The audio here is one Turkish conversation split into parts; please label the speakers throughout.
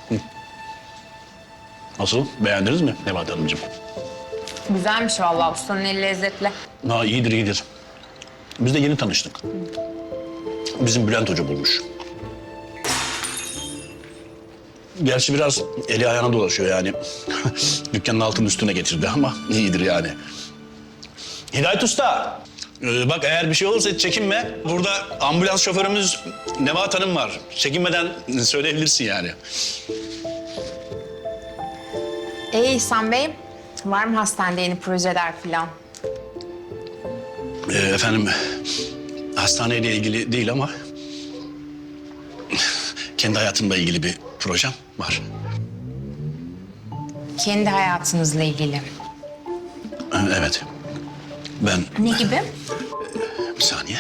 Speaker 1: Nasıl? Beğendiniz mi Nebahat Hanımcığım?
Speaker 2: Güzelmiş vallahi, ustanın eli lezzetli.
Speaker 1: Ha, iyidir, iyidir. Biz de yeni tanıştık. Bizim Bülent Hoca bulmuş. Gerçi biraz eli ayağına dolaşıyor yani. Dükkanın altının üstüne getirdi ama iyidir yani. Hidayet Usta, bak eğer bir şey olursa hiç çekinme. Burada ambulans şoförümüz Nebahat Hanım var. Çekinmeden söyleyebilirsin yani.
Speaker 2: İhsan Bey, var mı hastanede yeni projeler falan?
Speaker 1: Efendim, hastaneyle ilgili değil ama... kendi hayatımla ilgili bir projem var.
Speaker 2: Kendi hayatınızla ilgili.
Speaker 1: Evet. Ben...
Speaker 2: Ne gibi?
Speaker 1: Bir saniye.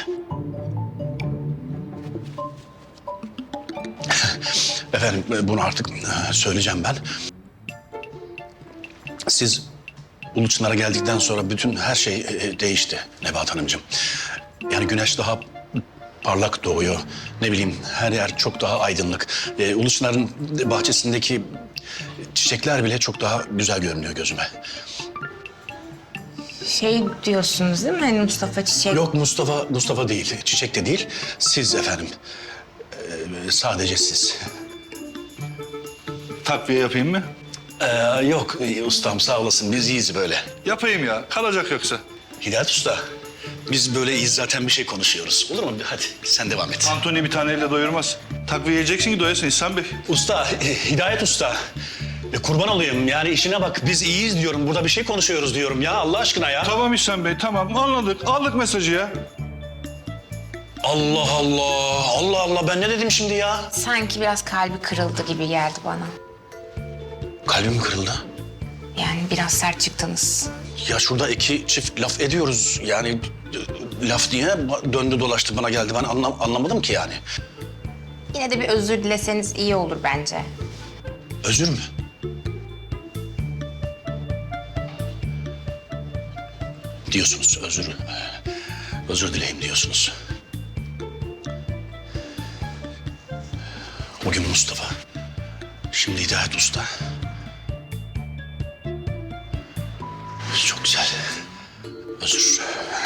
Speaker 1: Efendim, bunu artık söyleyeceğim ben. Siz Uluçınar'a geldikten sonra bütün her şey değişti Nebahat Hanımcığım. Yani güneş daha parlak doğuyor. Ne bileyim, her yer çok daha aydınlık. Uluçınar'ın bahçesindeki çiçekler bile çok daha güzel görünüyor gözüme.
Speaker 2: Şey diyorsunuz değil mi? Hani Mustafa Çiçek.
Speaker 1: Yok, Mustafa değil. Çiçek de değil. Siz efendim. Sadece siz.
Speaker 3: Takviye yapayım mı?
Speaker 1: Yok ustam, sağ olasın. Biz iyiyiz böyle.
Speaker 3: Yapayım ya. Kalacak yoksa.
Speaker 1: Hidayet Usta, biz böyle iyiyiz zaten, bir şey konuşuyoruz. Olur mu? Hadi sen devam et.
Speaker 3: Antony bir taneyle doyurmaz. Takviye yiyeceksin ki doyasın İhsan Bey.
Speaker 1: Usta, Hidayet Usta. Kurban olayım, yani işine bak. Biz iyiyiz diyorum. Burada bir şey konuşuyoruz diyorum ya. Allah aşkına ya.
Speaker 3: Tamam İhsan Bey, tamam. Anladık. Aldık mesajı ya.
Speaker 1: Allah Allah. Allah Allah. Ben ne dedim şimdi ya?
Speaker 2: Sanki biraz kalbi kırıldı gibi geldi bana.
Speaker 1: Kalbim kırıldı.
Speaker 2: Yani biraz sert çıktınız.
Speaker 1: Ya şurada iki çift laf ediyoruz. Yani laf diye döndü dolaştı bana geldi. Ben anlamadım ki yani.
Speaker 2: Yine de bir özür dileseniz iyi olur bence.
Speaker 1: Özür mü? Diyorsunuz özür. Özür dileyim diyorsunuz. Bugün Mustafa. Şimdi Hidayet Usta. Çok güzel. Özür.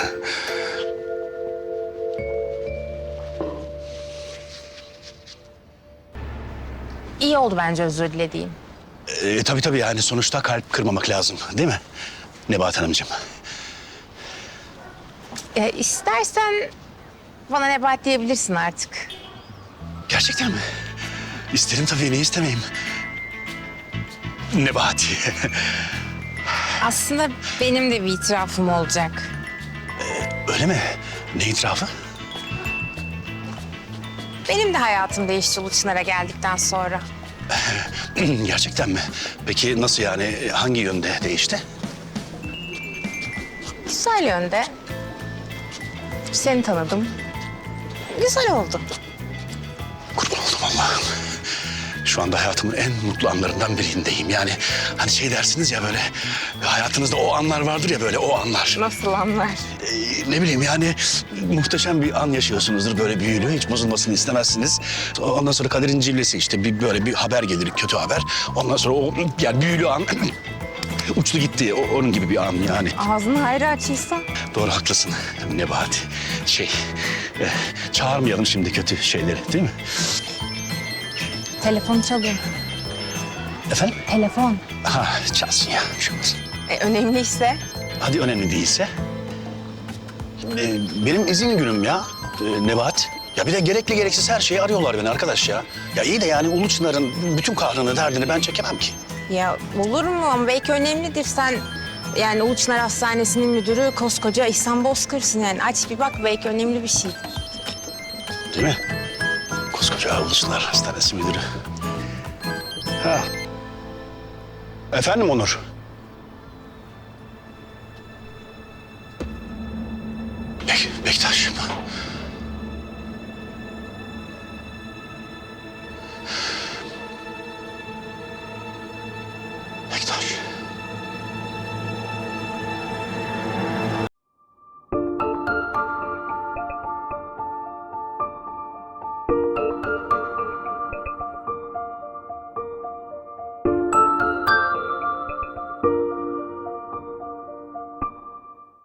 Speaker 2: İyi oldu bence özür dilediğim.
Speaker 1: Tabii yani sonuçta kalp kırmamak lazım değil mi Nebahat Hanımcığım?
Speaker 2: İstersen bana Nebahat diyebilirsin artık.
Speaker 1: Gerçekten mi? İsterim tabii, niye istemeyeyim? Nebahat.
Speaker 2: Aslında benim de bir itirafım olacak.
Speaker 1: Öyle mi? Ne itirafı?
Speaker 2: Benim de hayatım değişti Uluçınar'a geldikten sonra.
Speaker 1: Gerçekten mi? Peki nasıl yani? Hangi yönde değişti?
Speaker 2: Güzel yönde. Seni tanıdım. Güzel oldu.
Speaker 1: Kurban oldum Allah'ım. Şu anda hayatımın en mutlu anlarından birindeyim. Yani hani şey dersiniz ya, böyle hayatınızda o anlar vardır ya, böyle o anlar.
Speaker 2: Nasıl anlar?
Speaker 1: Ne bileyim yani muhteşem bir an yaşıyorsunuzdur, böyle büyülü, hiç bozulmasını istemezsiniz. Ondan sonra kaderin cillesi işte, böyle bir haber gelir, kötü haber. Ondan sonra o yani büyülü an uçtu gitti, onun gibi bir an yani.
Speaker 2: Ağzını hayra açıysan.
Speaker 1: Doğru, haklısın Nebahat. Çağırmayalım şimdi kötü şeyleri, değil mi?
Speaker 2: Telefon çalıyor.
Speaker 1: Efendim?
Speaker 2: Telefon.
Speaker 1: Ha, çalsın ya, bir şey olmaz.
Speaker 2: Önemliyse.
Speaker 1: Hadi önemli değilse. Benim izin günüm ya Nebahat. Ya bir de gerekli gereksiz her şeyi arıyorlar beni arkadaş ya. Ya iyi de yani Uluçınar'ın bütün kahrını, derdini ben çekemem ki.
Speaker 2: Ya olur mu? Ama belki önemlidir. Sen yani Uluçınar Hastanesi'nin müdürü koskoca İhsan Bozkır'sın yani. Aç bir bak, belki önemli bir şeydir.
Speaker 1: Değil mi? Koskoca Uluçınar Hastanesi müdürü. Ha. Efendim Onur?